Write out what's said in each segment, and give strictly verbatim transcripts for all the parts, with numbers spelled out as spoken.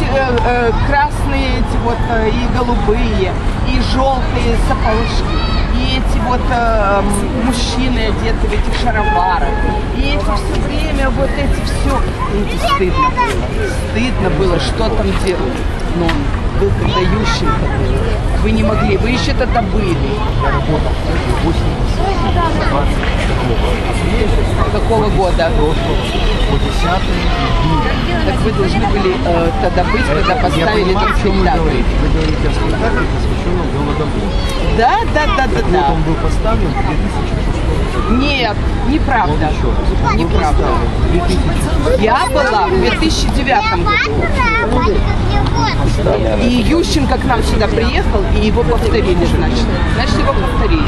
эти э, э, красные, эти вот э, и голубые, и желтые сапожки, и эти вот э, мужчины одеты в этих шароварах, и эти все время вот эти все, и это стыдно было, стыдно было, что там делать. Но он был когда Ющенко был. Вы не могли, вы еще тогда были. Какого года? Так вы должны были э, тогда быть, когда поставили этот спектакль. Вы говорите о спектакле, посвященном Голодомору. Да, да, да, да, да. Вот он был поставлен в две тысячи шестом году. Нет, неправда. Неправда. Я была в две тысячи девятом году. И Ющенко к нам сюда приехал, и его повторили, значит. Значит, его повторили.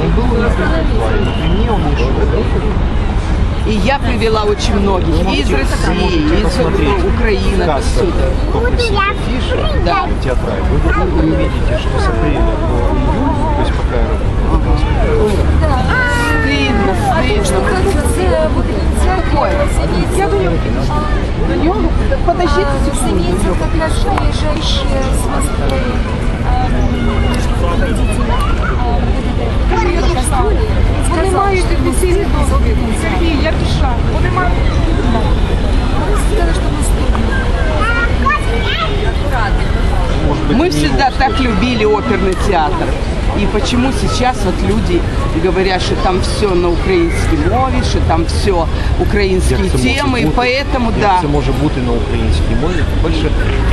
И я привела очень многих, и из России, и из Украины, отсюда. Да. Вы увидите, что с апреля до июля, то есть пока я работаю, Стыдно, стыдно. Какое? Я говорю, подождите секунду. Заметил как раз приезжающие с Москвы водители. Вони мають офіційний дозвіл. Сергій, я пішла. Вони мають. Сказали, что мы стыдно. Мы всегда так любили оперный театр. И почему сейчас вот люди говорят, что там все на украинской мове, что там все украинские темы, и поэтому, да. Це може бути на українській мові. По-перше,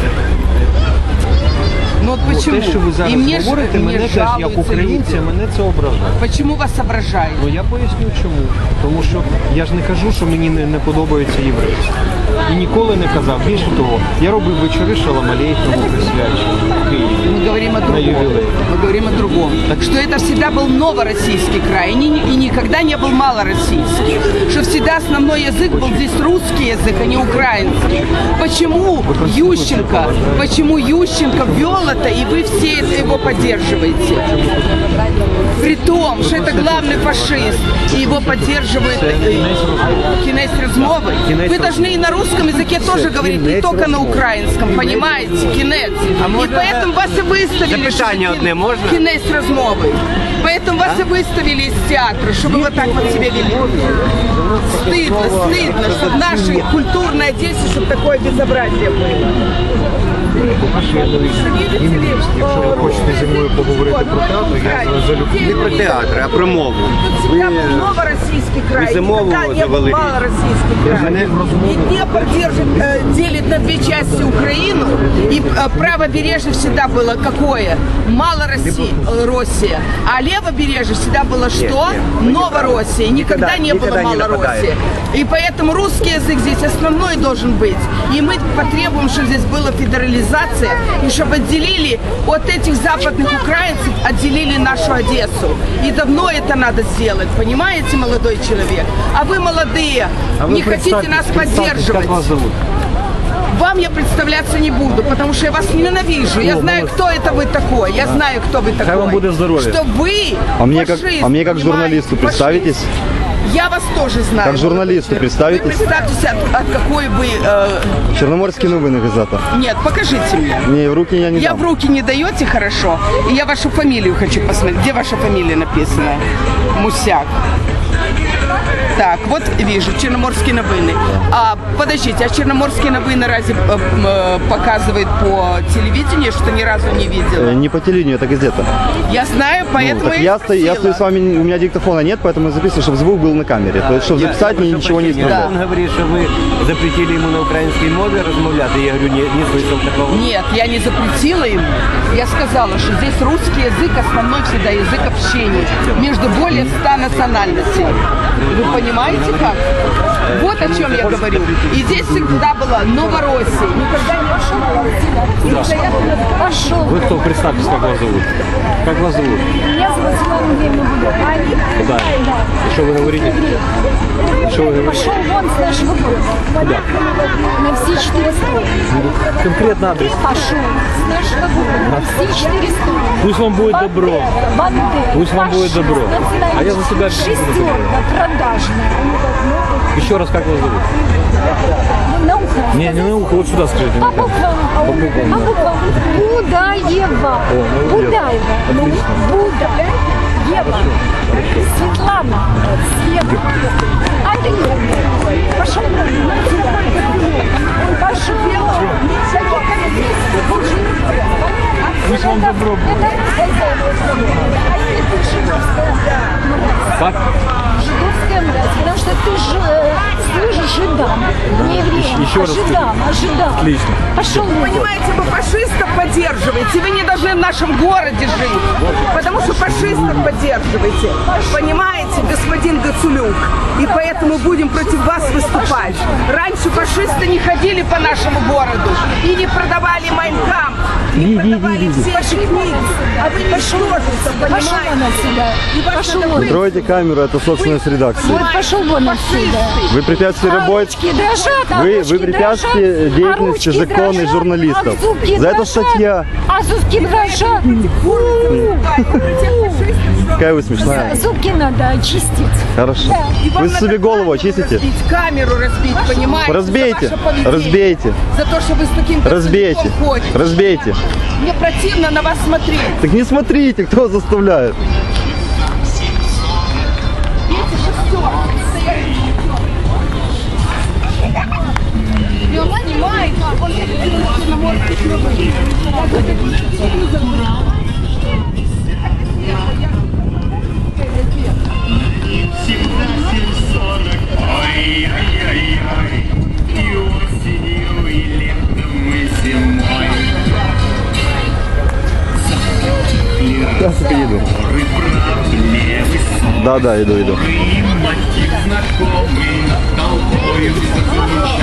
ну, вот почему? Те, що ви зараз и мне говорите, ж, мене мне теж як українця, люди. мене це ображає. Почему вас ображает? Ну я поясню чому. Тому що я ж не кажу, що мені не, не подобається єврейство. І ніколи не казав. Більше того, я робив вечори Шалом Алейхему присвячені в Києві. Мы говорим о на другом. ювілей. Мы говорим о другом. Так что это всегда был новороссийский край, и, ни, и никогда не был малороссийский. Что всегда основной язык был здесь русский язык, а не украинский. Почему Ющенко, почему Ющенко ввел это, и вы все его поддерживаете? При том, что это главный фашист, и его поддерживает Кінець розмови. Вы должны и на русском языке тоже говорить, не только на украинском, понимаете? Кінець. И поэтому вас и выставили, что Кінець розмови. Поэтому вас и выставили из театра, чтобы вы вот так вот себя вели. Стыдно, стыдно, чтобы в нашей культурной Одессе, чтобы такое безобразие было. Якщо ви хочете зі мною поговорити про театр, я залюбки. Не про театр, а про мову. Тут всегда был новороссийский край, вы за мову никогда не был завалили. малороссийский край. И Днепр держит, э, делит на две части Украину, и э, правобережье всегда было какое? Малороссия, Россия. А левобережье всегда было что? Новороссия. Никогда не было Малороссии. И поэтому русский язык здесь основной должен быть. И мы потребуем, чтобы здесь была федерализация, и чтобы отделили от этих западных украинцев, отделили нашу Одессу. И давно это надо сделать, понимаете, молодой человек? А вы молодые, А не вы хотите нас поддерживать. Как вас зовут? Вам я представляться не буду, потому что я вас ненавижу. Я знаю, кто это вы такой. Я знаю, кто вы такой. вам будет здоровья. Что вы А мне как, фашист, а мне как понимаете? журналисту представитесь? Я вас тоже знаю. Как журналисту Вы представитесь? представьтесь, от, от какой вы... Э... Черноморские новины газета. Нет, покажите мне. Не, в руки я не Я дам. в руки не даете, хорошо. И я вашу фамилию хочу посмотреть. Где ваша фамилия написана? Мусяк. Так, вот вижу, Черноморские новины. А, подождите, а Черноморские новины разве э, э, показывает по телевидению, что ни разу не видела? Э, Не по телевидению, это газета. Я знаю, поэтому Ну, так я, я, стою, я стою с вами, у меня диктофона нет, поэтому я записываю, чтобы звук был на камере. То есть, чтобы записать, мне ничего не Он исправлять. говорит, что вы запретили ему на украинской мове размовлять. Я говорю, нет, нет смысла такого. Нет, я не запретила ему. Я сказала, что здесь русский язык основной всегда язык общения между более ста национальностей. Вы понимаете как? Вот о чем я говорю. И здесь всегда была Новороссия. Никогда не пошел. Вы кто? Представьтесь, как вас зовут. Как вас зовут? Меня зовут Светлана Андреевна Будова. Да. И что вы говорите? И что вы говорите? Пошел вон с нашего города. На все четыре стороны. Конкретно адрес. Пошел с нашего города. На все четыре стороны. Пусть вам будет добро. Бандера. Пусть вам будет добро. А я за себя Шестерка продажная. Еще раз, как вас зовут? На ухо. Не, не на ухо, вот сюда скажите. По буквам. По буквам, По да. буквам. Будаева. молодец. Будаева. Ну, Отлично. Буда. Ева. Светлана. Света. Андрей. Пошел. Пошел. Мы ж вам добро будем. Как? Жидовская мразь, потому что ты ж, э, служишь жидам, не евреям, Еще а раз жидам, а жидам. Отлично. Пошел вон. Понимаете, вы фашистов поддерживаете, вы не должны в нашем городе жить, потому что фашистов поддерживаете. Понимаете, господин Гацулюк? И поэтому будем против вас выступать. Раньше фашисты не ходили по нашему городу и не продавали Майнкамп, не продавали все ваши книги. А вы не Пошел вон понимаете? отсюда. И вас Пошел надо вон. Откройте камеру, это собственность редакции. Вот пошел вон отсюда. Вы препятствуете А работе. ручки дрожат, а Вы, ручки вы препятствуете дрожат, деятельности а ручки законной дрожат, журналистов. а зубки За это дрожат, статья. А зубки дрожат. Какая вы смешная. Зубки надо очистить. Хорошо. И вам Вы надо себе голову камеру очистите? разбить, камеру разбить, понимаете? Разбейте, за ваше поведение. разбейте, За то, что вы с таким разбейте, Гацулюком ходите. разбейте. Мне противно на вас смотреть. Так не смотрите, кто заставляет. И он снимает, он черноморский круг. Ой-ой-ой-ой, и осенью, и летом, и зимой. Сейчас иду. Горы правды высокие, Да, да, иду, иду. мотив знакомый над толпою зазвучал.